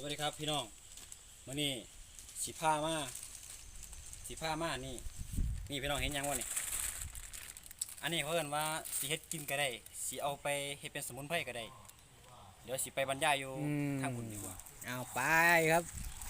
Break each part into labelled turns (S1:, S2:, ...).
S1: วัสดีครับพี่น้องมื้อนี้สิพามานี่พี่น้องเห็นยังวะนี่อันนี้เขาเอิ้นว่าสิเฮ็ดกินก็ได้สิเอาไปเฮ็ดเป็นสมุนไพรก็ได้เดี๋ยวสิไปบรรยายอยู่ทางบุญดีกว่า
S2: เอาไปครับ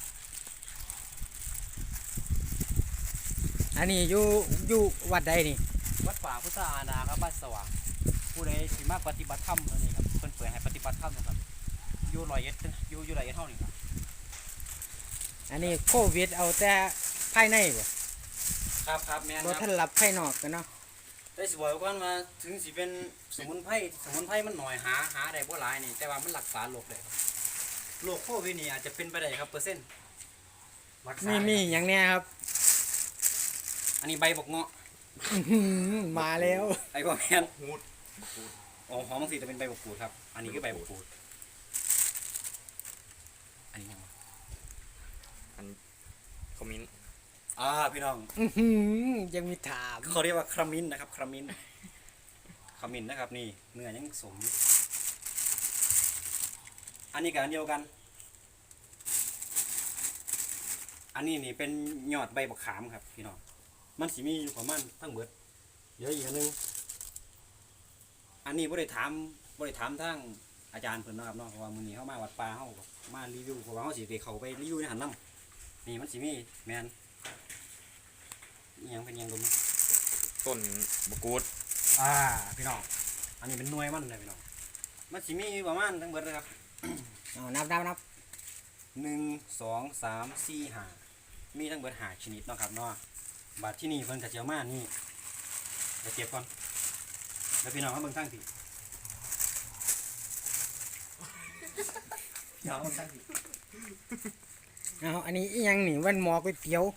S2: อันนี้อยู่วัดใดนี่
S1: วัดป่าพุทธานาครับบ้านสว่างผู้ใดสิมาปฏิบัติธรรมอันนี้ครับเพิ่นเปิดให้ปฏิบัติธรรมนะครับอยู่ร้อยเอ็ดอยู่ร้อยเอ็ดเท่านี้ครับ
S2: อันนี้โควิดเอาแต่ภายในบ่
S1: ครับแม่น
S2: บ่ทันรับภายนอกกันเนาะ
S1: ได้สิบอกก่อนว่าถึงสิเป็นสมุนไพรมันหน่อยหาได้บ่หลายนี่แต่ว่ามันรักษาโรคได้ครับโรคโควิดนี่อาจจะเป็นไปได้ครับเปอร์เซ็นต์
S2: มีอย่างเนี้ยครับ
S1: อันนี้ใบบักเงาะ
S2: มาแล้ว
S1: ไอ้พวกแมนอ๋อหอมบางทีจะเป็นใบบักกูดครับอันนี้คือใบบักกูดอันนี้ยังวะ
S3: อันคอมมิน
S1: พี่น้อง
S2: ยังมีถาม
S1: เขาเรียกว่าครามินนะครับครามินนะครับนี่เนื้อยังสมอันนี้กับอันเดียวกันอันนี้นี่เป็นยอดใบบักขามครับพี่น้องมันสิมีอยู่ประมาณทั้งเบิดเดี๋ยวอีกอันนึงอันนี้บ่ได้ถามทางอาจารย์เพิ่นนะครับเนาะเพราะว่ามื้อนี้เฮามาวัดป่าเฮามารีวิวเพราะว่าเฮาสิได้เข้าไปรีวิวในหันนำนี่มันสิมีแม่นอีหยังเป็นหยังดม
S3: ต้นบะกูด
S1: พี่น้องอันนี้เป็นหน่วยมันเลยพี่น้องมันสิมีประมาณทั้งเบิดเลยครับ
S2: เอานับ
S1: 1 2 3 4 5มีทั้งเบิด5ชนิดเนาะครับเนาะบาดที่นี่เพิ่นก็สิเอามานี่ไปเก็บก่อนแล้วพี่น้องมาเบิ่งทางที่
S2: เอาอันนี้อีหยังนี่วันหมอก๋วยเตี๋ยว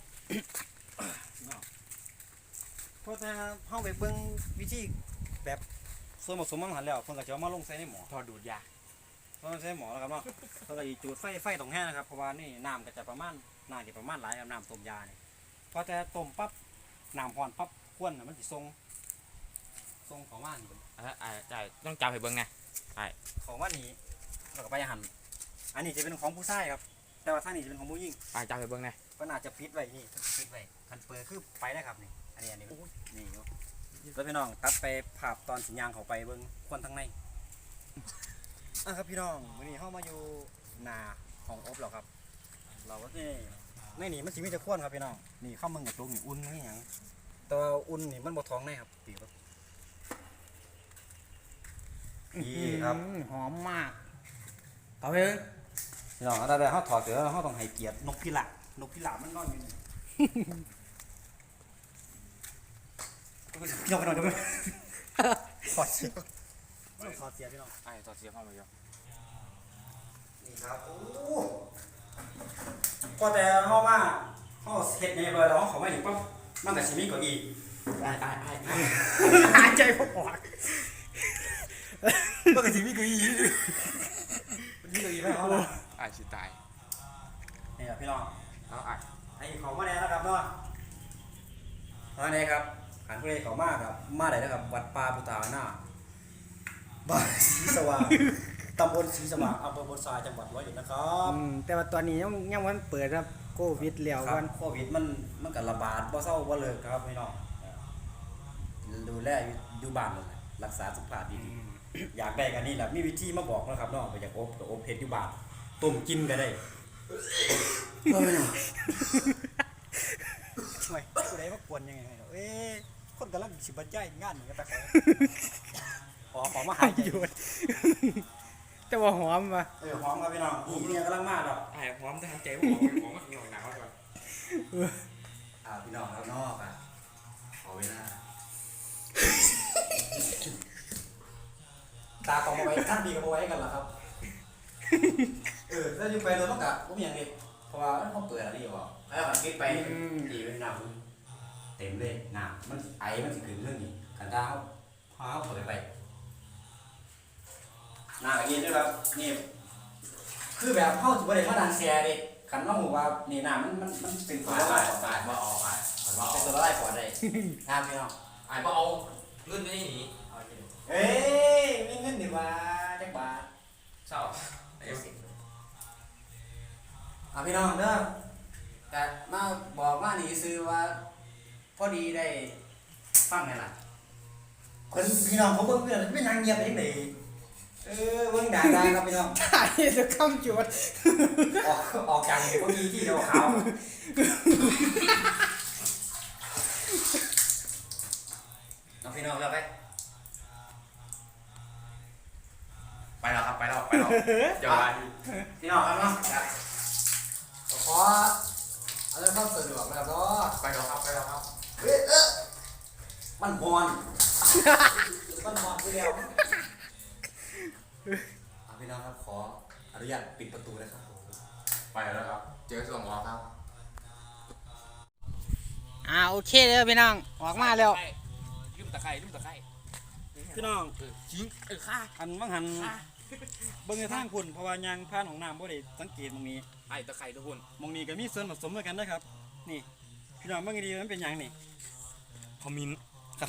S1: เพราะถ้าเฮาไปเบิ่งวิธีแบบส่วนผสมมันหันแล้วเพิ่นก็จะเอามาลงใส่ในหม้อ
S3: ทอดดูดยา
S1: เพราะมันใส่หม้อแล้วครับเนาะเพิ่นก็สิจุดไฟตรงแห้งนะครับเพราะว่านี่น้ำก็จะประมาณหลายครับน้ำต้มยานี่พอแต่ต้มปั๊บน้ำร้อนปั๊บควนน่ะมันสิส่งของว่านี่
S3: ใช่ต้องจับให้เบิ่งไงใช่
S1: ของว่านี่แล้วก็ไปหั่นอันนี้จะเป็นของผู้ชายครับแต่ว่าทางนี้จะเป็นของผู้หญิง
S3: จับให้เบิ่งไง
S1: ก็น่าจะปิดไว้นี่ปิดไว้คันเปิดคือไปได้ครับนี่อันนี้นี่อยู่แล้วพี่น้องตัดไปภาพตอนสัญญาณเข้าไปเบิ่งควนทางในครับพี่น้องวันนี้เข้ามาอยู่นาของอบแล้วครับเราก็นี่ในนี่มันสิมีแต่ควนครับพี่น้องนี่เข้ามึงกับตรงนี่อุ่นนี่อย่างตัวอุ่นนี่มันบ่ท้องในครับปีครับนี่ครับ
S2: หอมมากเอาไป
S1: พี่น้องถ้าได้เขาถอดเสือเขาต้องให้เกียรตินกพิราบมันนอนอยู่นี่ยกไปหน่อยได้ไหมถอดเสียพี่น้อง
S3: ถอดเสียเข้ามาเยอะ
S1: นี่ครับโอ้พอแต่เขามาเขาเฮ็ดในเลยแล้วเขาไม่ถึงปั๊บมันแต่ชิมิก็อี
S2: หายใจพอออก
S1: มันแต่ชิมิก็อีไม่เขา
S3: สิตาย
S1: นี่ครับพี่น้อง
S3: เอา
S1: ไอ้ของมาแน่นะครับเนาะมาแน่ครับหันผู้ใดเขามากครับมาได้นะครับวัดป่าพุทธานาบ้านศรีสว่างตำบลศรีสว่างอำเภอโพธิ์ทรายจังหวัดร้อยเอ็ดนะครับ
S2: แต่ว่าตอนนี้ยังวันเปิดครับโควิดแล้ว
S1: วันโควิดมันก็ระบาดบ่เศร้าบ่เลิกครับพี่น้องดูแลอยู่บ้านเลยรักษาสุขภาพดีๆอยากได้กันนี่แหละมีวิธีมาบอกนะครับน้องไปอยากอบเฮ็ดอยู่บ้านต้มกินก็ได้ช่วยผู้ใดมากวนยังไงคนกำลังสิบรรยายงานนี่ก็ไปขอมาหายใจ
S2: แต่ว่าหอมป่ะ
S1: หอมครับพี่น้องนี่กำลังมาดอก
S3: หอมแต่หายใจหอมมากหน่อยหนาวก่อน
S1: พี่น้องแล้วนอกขอเวลาตาของมาไว้ท่านดีกับมาไว้กันเหรอครับถ้าอยู่ไปโดนต้องกะก็มีอย่างนี้เพราะว่าเขาเปิดอะไรอยู่แล้วมันคิดไปดีเป็นน้ำเต็มเลยน้ำมันไอมันสิขึ้นเรื่องนี้กันตาเขาพาเขาเปิดไปน้ำอย่างนี้ด้วยครับนี่คือแบบเข้าถึงประเด็นมาดันแชร์ดิขันว่าหูว่านี่น้ำมันเป็นตัวละลาย
S3: มาออก
S1: เป็นตัวละลายก่อนเลยน้ำพี่น้อง
S3: มาเอาเงินไม่ได้หนี
S1: ไม่เงินดีว่าจักบาท
S3: เศร้า
S1: พี่น้องเด้อแต่มาบอกว่านี่ซื้อว่าพอดีได้ฟังไงล่ะคนพี่น้องเขาเบิ่งเพื่อนไม่นางเงียบไปที่ไหนเบิ่งด่าครับพี่น้อง
S2: ถ่ายจะคำจวด
S1: ออกจากพวกนี้ที่เดียวเขาน้องพี่น้องแล้วไป
S3: ไปแล้วครับไปแล้วเดี๋ยวไป
S1: พี่น้องครับเนาะ
S2: ขออะไรความสะดวกแล้วก็
S3: ไปแล้วครับ
S1: มันฮอนมันฮอนไปแล้วพี่น้องครับขออนุญาตปิดประตูนะครับ
S3: ไปแล้วครับเจอส่วนหมอครับ
S2: โอเคเด้อพี่น้องออกมาแล้ว
S3: ลืมตะไคร้
S1: พี่น้อง
S3: ทิ้งฆ่า
S1: อันว่างหันเบิ่งในทางคุณเพราะว่ายางผ่านของน้ำบ่ได้สังเกตตรงนี้
S3: ไอ้ตะไคร้ทุกคน
S1: มองนี้ก็มีส่วนผสมด้วยกันนะครับนี่พี่น้องเบิ่งดีๆมันเป็นหยังนี่
S3: คอมมิน
S1: ครับ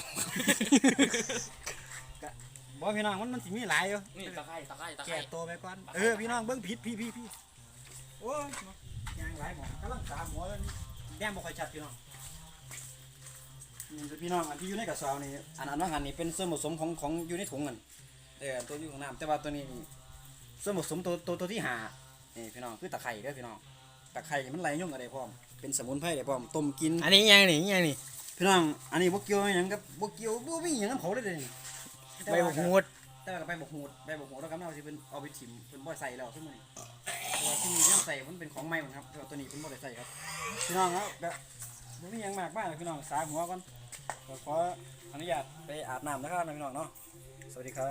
S1: บ่พี่น้องมันสิมีหลายอยู่
S3: นี่ตะไคร้
S1: แก่ตัวไปก่อนพี่น้องเบิ่งผิดพี่โอ้ยยางหลายหมอกำลังตามหัวแล้วนี่แดงบ่ค่อยชัดพี่น้องนี่พี่น้องอันที่อยู่ในกระสอบนี่อันว่างหันนี่เป็นส่วนผสมของอยู่ในถุงกันตัวอยู่ของน้ำแต่ว่าตัวนี้ส่วนผสมตัวที่5นี่พี่น้องคือตะไคร้เด้อพี่น้องตะไคร้มันไหลยุ่งอะไรพร้อมเป็นสมุนไพรได้พร้อมต้มกิน
S2: อันนี้ยังนี่
S1: พี่น้องอันนี้บ่เกี่ยวหยังกับบ่เกี่ยวบ่มีหยังกับเขาเลยเด้นี่
S2: ใบบักหูด
S1: แต่ว่าใบบักหูดแล้วก็เอาสิเพิ่นเอาไปถิ่มเพิ่นบ่ใส่แล้วซุมื้อนี้เพราะว่าที่นี่ยังใส่มันเป็นของใหม่หมดครับแต่ว่าตัวนี้เพิ่นบ่ได้ใส่ครับพี่น้องครับแบบบ่มีหยังมากมายพี่น้องสาหัวก่อนขออนุญาตไปอาบน้ำนะครับพี่น้องเนาะสวัสดีครับ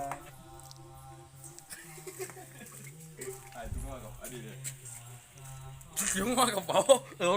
S3: ไอ้ทุกคนกับอดีตเลยยุ่งมากกับเป๋า